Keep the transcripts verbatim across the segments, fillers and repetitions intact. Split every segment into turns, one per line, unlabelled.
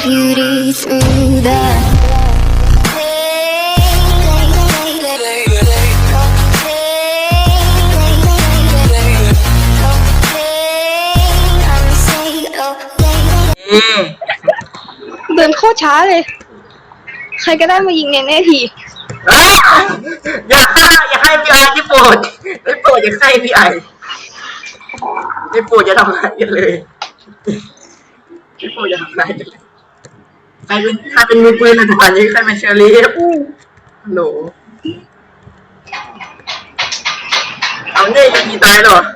beauty through the
อืม
เดินโคตรช้าเลย ใครก็ได้มายิงเนเน่ที
อ่ะอย่าอย่าให้พี่ไอที่โปรดไม่โปรดอย่าให้พี่ไอไม่โปรดจะทำอะไรกันเลยไม่โปรดจะทำอะไรกันเลยใครเป็นใครเป็นมือปืนในตอนนี้ใครเป็นเชอรี่ฮัลโหลเอาเนี่ยจะกี่ตายหรอ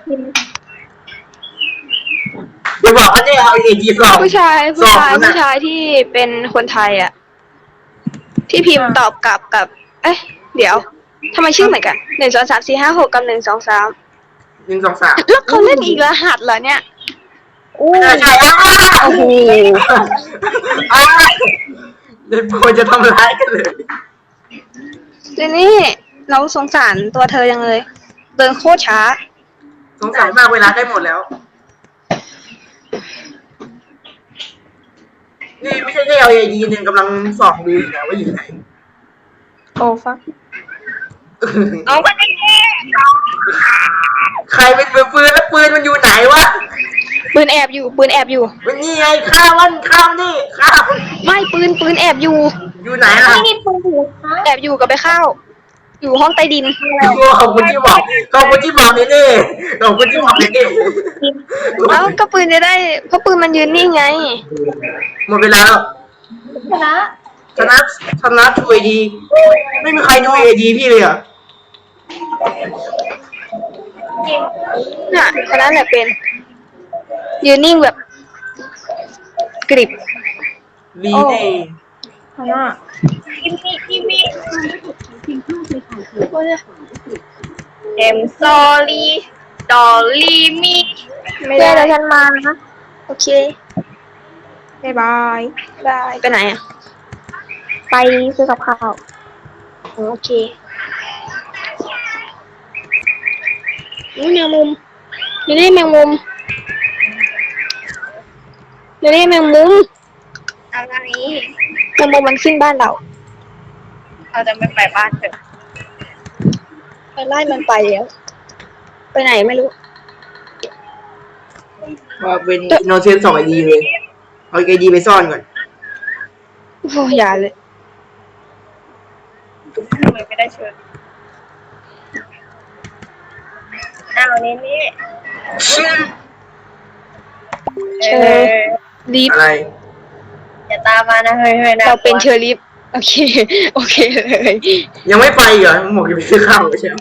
อย่าบอกว่าเนี่ยเอาเอจีสอง
ผู้ชายผู้ชาย
สองนะ
ผู้ชายที่เป็นคนไทยอ่ะ ที่พิมพ์ตอบกลับกับ เอ๊ะ เดี๋ยวทำไมชื่อเหมือนกันหนึ่งสองสามสี่ห้าหกกับหนึ่งสองสาม
หนึ่งสองสาม
แล้วเขาเล่นอีกรหัสเหรอเนี่ยอู้
ใช่ใช่
โอ้โห
อ่าเดี๋ยวโปรดจะทำร้ายกันเลย
เจนี่เราสงสารตัวเธอยังเลย เดินโคตรช้า
สงสารมากเวลาใกล้หมดแล้ว นี่ไม่ใช่แค่เอาเอดีหนึ่งกำลังส่องดูอยู่นะว่าอยู่ไหน
โอ้ฟัก
เอาไปใครเป็นมือปืนแล้วปืนมันอยู่ไหนวะ
ปืนแอบอยู่ ปืนแอบอยู่
มันนี่ไงข้ามมันข้ามนี่ข้าม
ไม่ปืนปืนแอบอยู่
อยู่ไหนล่ะ
ไม่มีปืนแอบอยู่กับไปเข้า อยู่ห้องใต้ดิน
ขอบคุณที่บอกขอบคุณที่บอกนี่นี่ขอบคุณที่บอกนี่นี่
เอ้าก็ปืนจะได้เพราะปืนมันยืนนี่ไง
หมดเวลาแล้ว
ชนะ
ชนะชนะทูเอดีไม่มีใครดูเอดีพี่เลยอ่ะ
น่ะชนะแหละเป็น ยืนนิ่งแบบกริบ
วีเน่
ชนะกิมมี่กิมมี่เอ็มซอรี่ดอลลี่มีไม่ได้แล้วฉันมานะโอเคบายบายบายไปไหนอ่ะ ไปซื้อกับข้าวโอเคนี่แมงมุมนี่นี่แมงมุมนี่นี่แมงมุมอะไรแมงมุมมันขึ้นบ้านเราเราจะไม่ไปบ้านเถอะไปไล่มันไปแล้วไปไหนไม่รู้
ว่าเป็นโนเซนสองไอดีเลยเอาไอดีไปซ่อนก่อน
โอ้ยอย่าเลยทำไมไม่ได้เชิญอ้าวนี่นี่เชอรีฟ
อะไร
อย่าตามมานะเฮ้ยเฮ้ยเราเป็นเชอรีฟโอเคโอเคเลย
ยังไม่ไปเหรอมึงบอกจะไปซื้อข้าวใช่ไหม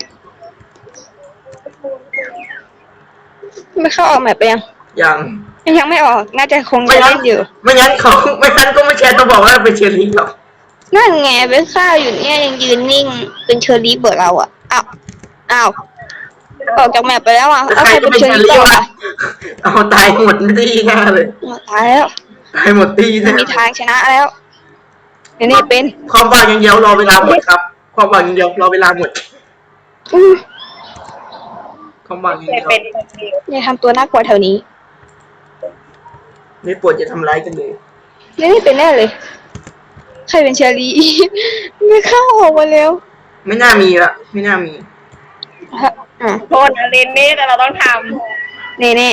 ไม่เข้าออกแมปไปยัง
ยัง
ยังไม่ออกน่าจะคง
ไม่
จะ
งั้
เล่
น
นอยู่
ไม่งั้นเขาไม่งั้นก็ไม่แชร์ต้องบอกว่าเป็นเชียร์ลิงหรอก
นั่นไงไปข้าวอยู่เนี่ยยังยืนนิ่งเป็นเชอรีฟเบอร์เราอ่ะอ้าวอ้าวออกจากแมปไปแล้วอ่ะ
แต่
เอา
ใคร
ใคร
จะ
เป็น
เป็น
เชอ
เชียร์ลิง
รีฟต่อ
วะเอาตายหมดตีหน้าเลย
ตายแล้ว
ตายหมดตีห
ไม่
น้า
มีทางชนะแล้วเดี๋ยวนี่เป็น
ความหวังอย่างเดียวรอเวลาหมดครับ ความหวังอย่างเดียวรอเวลาหมด
อือ
ความหวังอย่างเดียว
อย่าทำตัวน่ากลัวแถวนี้
ไม่ปวดจะทำร้ายกันเลย
นี่นี่เป็นแน่เลย ใครเป็นเชอรีฟไม่เข้าออกมาแล้ว
ไม่น่ามีละไม่น่ามี
ฮะอ่ะ
โทษนะเรนนี่แต่เราต้องท
เน่เน่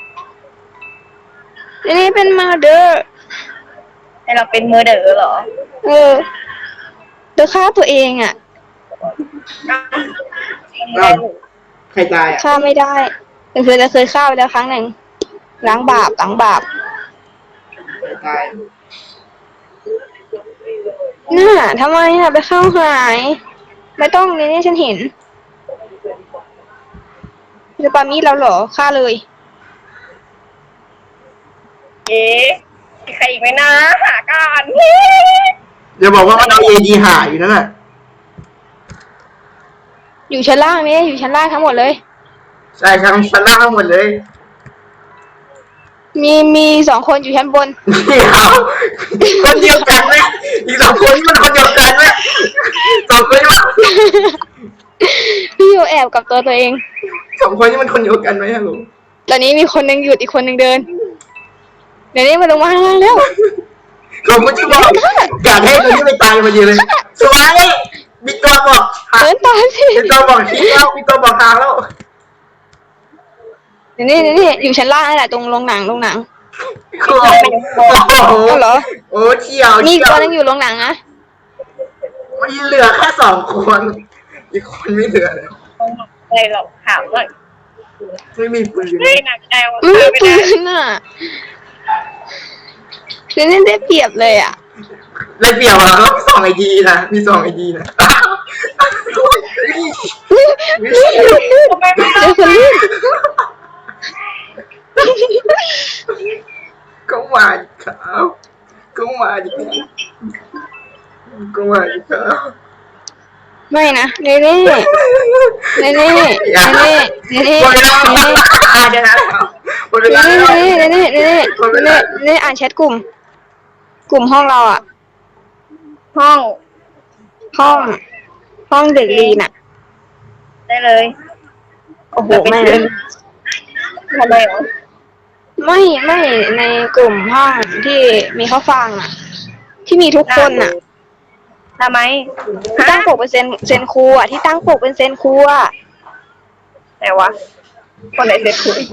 เน่เน่เป็นมาเดอร์
ำให้เราเป็นมือเด๋อเหรอ
เออเดอฆ่าตัวเองอ่ะ
อ้าวใครตายอ่ะ
ฆ่าไม่ได้แต่เคยจะเคยฆ่าไปแล้วครั้งหนึ่งล้างบาปล้างบาป
ใครตาย
น่าทำไมอ่ะไปเข้าหาย ไม่ต้องเน่เน่ฉันเห็นจะปามีดเราเหรอฆ่าเลย
เอ๊ะมีใครอีกไหมนะ หาก่อน
เดี๋ยวบอกว่ามันเอาเอดีหาอยู่นั่นแหละ
อยู่ชั้นล่างนี่อยู่ชั้นล่างทั้งหมดเลย
ใช่ทั้งชั้นล่างทั้งหมดเลย
มีมีสองคนอยู่ชั้นบน
เดี๋ยวคนเดียวกันไหมอีกสองคนนี่มันคนเดียวกันไหมสองคนนี่มัน
พี่อยู่แอบกับตัวตัวเอง
สองคนนี่มันคนเดียวกันไหมฮัลโหล
ตอนนี้มีคนหนึ่งหยุดอีกคนหนึ่งเดิน เดี๋ยวนี้มาลงมาข้างล่างแล้ว
เขาก็จะบอกอยากให้ตัวนี้ไปตายมาเยอะเลยสวยมีตัวบอก
เดินตามสิ
มีตัวบอกที่แล้วมีตัวบอกทางแล้ว
นี่นี่นี่อยู่ชั้นล่างนั่นแหละตรงโรงหนังโรงหนัง
โอ้โห
เอาเหรอ
โอ้เที่ยว
มี
เที่ยว
ตัวนึงอยู่โรงหนังนะ
มีเหลือแค่สองคนอีกคนไม่เหลือเลย
อะไรหรอกถามว่า
ไม่มีปืน
ไม่หนักใจว่า
ไม่มี
ไม่
ปื
ได้
นอ่ะคือนี่ได้เปรียบเลยอ่ะ
เลยเปรียบอ่ะก็มีสองไอดีนะมีสองไอดีนะ
ทำไมไม่
เจอคนลื่น
ก็มาดิครับก็มาดิครับก็มาดิครับ
ไม่นะเน่เน่เน่เน่เน่เน่เน่เน่
หมดเวลาเดี๋ยวนะหมดเวลา
เน่
แล้ว
เน่เน่เน่เน่เน่เน่อ่านแชทกลุ่ม กลุ่มห้องเราอ่ะ
ห้อง
ห้องห้องเด็กลีนอ่ะ
ได้เลย
โอ้โหไม่เลย
ทำไมเหรอ
ไม่ไม่ในกลุ่มห้องที่มีข้าวฟังอ่ะ ที่มีทุกคนอ่ะ
ทำไม
ที่ตั้งปกเป็นเซนเซนครูอ่ะที่ตั้งปกเป็นเซนครูอ่ะ
ไหนวะคนไหนเสร็จคุยว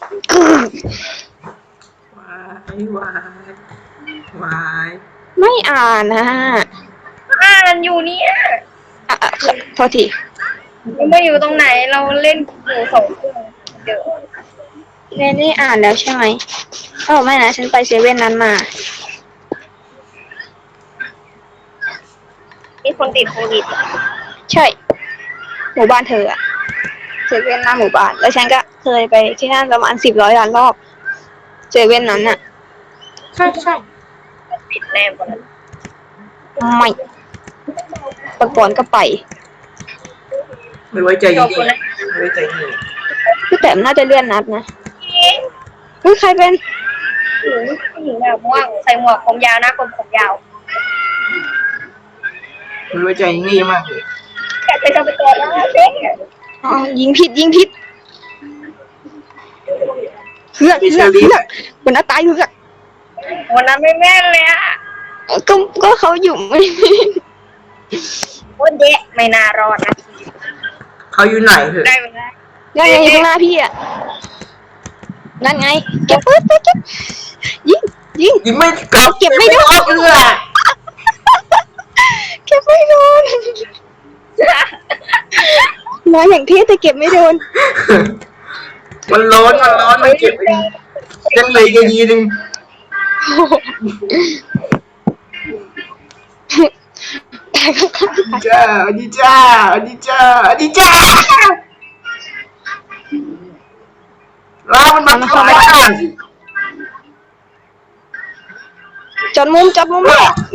ายวายวาย
ไม่อ่านนะ
อ่านอยู่เนี่ย
อ่ะอ่ะโทษที
มันไม่อยู่ตรงไหนเราเล่นอยู่สองเครื่องเดี๋ยว
เน่นี่อ่านแล้วใช่ไหมเออไม่นะฉันไปเซเว่นนั้นมา
มีคนติดโควิด
ใช่ หมู่บ้านเธออะเซเว่นหน้าหมู่บ้าน แล้วฉันก็เคยไปที่นั่นประมาณสิบร้อยล้านรอบเซเว่นนั้นอะ
ใช่ใช่
ติดแน่คนนั้น
ไม่ประกอนก็ไป
ไม่ไว้ใจ
จ
ยี่
บคนนั้น
ไม่ไว้ใจยี่
พี่แต้มน่าจะเลื่อนนัดนะ
เอง
เฮ้ยใครเป็น
ผู้หญิงผู้หญิงแบบม่วงใส่หมวกผมยาวนะผมผมยาว
ไม่ไว้ใจยี่มากเลย
แกไปทำเป็นตัวแล้วเจ๊ง
อ๋อยิงผิดยิงผิดเฮือกเฮือกเฮือกคนน่าตายเฮือก
วันนั้นไม่แม่นเลยอะ
ก็ก็เขาอยู่ไม่
โอ้เดะไม่น่ารอดนะ
เขาอยู่ไหนเถอะ
ได้เวลา
นั่นไงอยู่ข้างหน้าพี่อะนั่นไงเก็บปืนไปเก็บยิงยิง
ยิงไม่กลับ
เก็บไม่ได้
เก็บเลย
เก็บไม่โดนมาอย่างเท่แต่เก็บไม่โดน
มันร้อนมันร้อนมันเก็บเองยังเหลยกันยีนึง
ตายก็ตาย
จ้าอดีจ้าอดีจ้าอดีจ้าเรามันมาทำอะไรกัน
จนมุมจนมุมแม่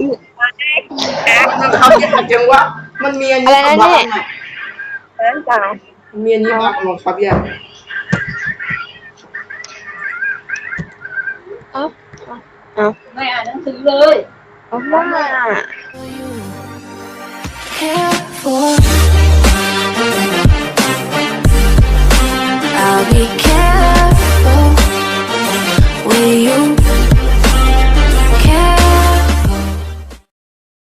มันทำยากจังวะมันมีอันนี้
อะไรนะเนี่ย
เอิ้นจ้า
มันมีอันนี้บ้างลองครับยาก
เอาเอา
ไม่อ่านหนังสือเลย
เอาว่า
care for